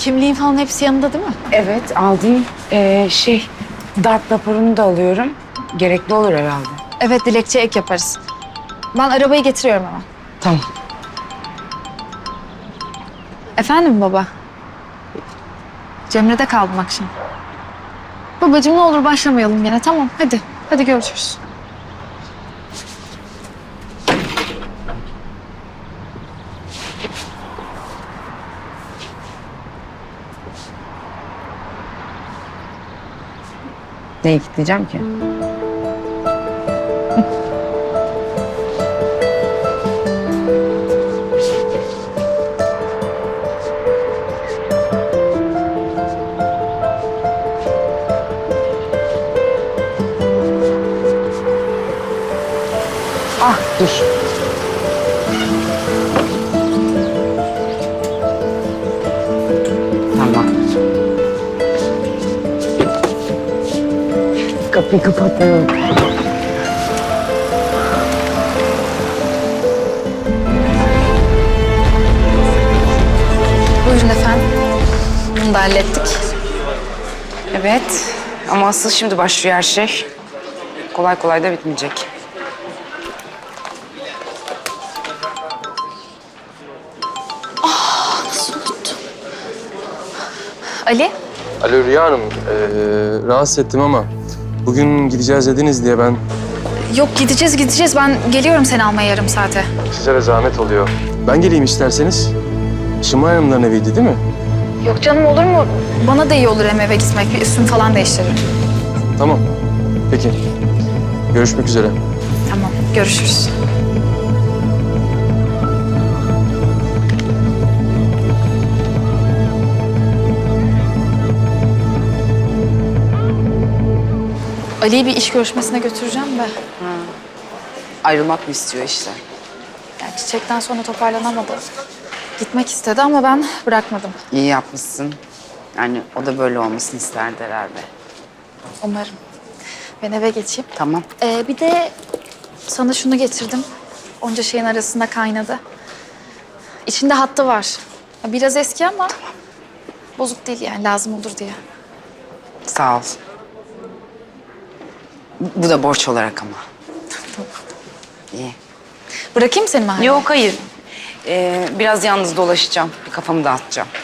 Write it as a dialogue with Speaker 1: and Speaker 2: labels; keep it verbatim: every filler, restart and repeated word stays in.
Speaker 1: Kimliğin falan hepsi yanında değil mi?
Speaker 2: Evet, aldım. Ee, şey, darp raporunu da alıyorum. Gerekli olur herhalde.
Speaker 1: Evet, dilekçe ek yaparız. Ben arabayı getiriyorum hemen.
Speaker 2: Tamam.
Speaker 1: Efendim baba? Cemre'de kaldım akşam. Babacığım ne olur başlamayalım yine. Tamam hadi. Hadi görüşürüz.
Speaker 2: Neyi kilitleyeceğim ki? Ah, dur. Tamam. Kapıyı kapatıyorum.
Speaker 1: Buyurun efendim. Bunu da hallettik.
Speaker 2: Evet, ama asıl şimdi başlıyor her şey. Kolay kolay da bitmeyecek.
Speaker 1: Ali?
Speaker 3: Alo Rüya Hanım, ee, rahatsız ettim ama bugün gideceğiz dediniz diye ben
Speaker 1: Yok gideceğiz gideceğiz. Ben geliyorum seni almaya yarım saate.
Speaker 3: size de zahmet oluyor. Ben geleyim isterseniz. Şimay Hanımların eviydi değil mi?
Speaker 1: Yok canım olur mu? Bana da iyi olur hem eve gitmek. Bir üstümü falan değiştiririm.
Speaker 3: Tamam, peki. Görüşmek üzere.
Speaker 1: Tamam görüşürüz. Ali'yi bir iş görüşmesine götüreceğim de.
Speaker 2: Ayrılmak mı istiyor işte?
Speaker 1: Yani çiçekten sonra toparlanamadı. Gitmek istedi ama ben bırakmadım.
Speaker 2: İyi yapmışsın. Yani o da böyle olmasını isterdi herhalde.
Speaker 1: Umarım. Ben eve geçeyim.
Speaker 2: Tamam.
Speaker 1: Ee, bir de sana şunu getirdim. Onca şeyin arasında kaynadı. İçinde hattı var. Ya biraz eski ama bozuk değil yani lazım olur diye.
Speaker 2: Sağ ol. Bu da borç olarak ama. İyi.
Speaker 1: Bırakayım seni mahalleye.
Speaker 2: Yok hayır. Ee, biraz yalnız dolaşacağım. Bir kafamı dağıtacağım.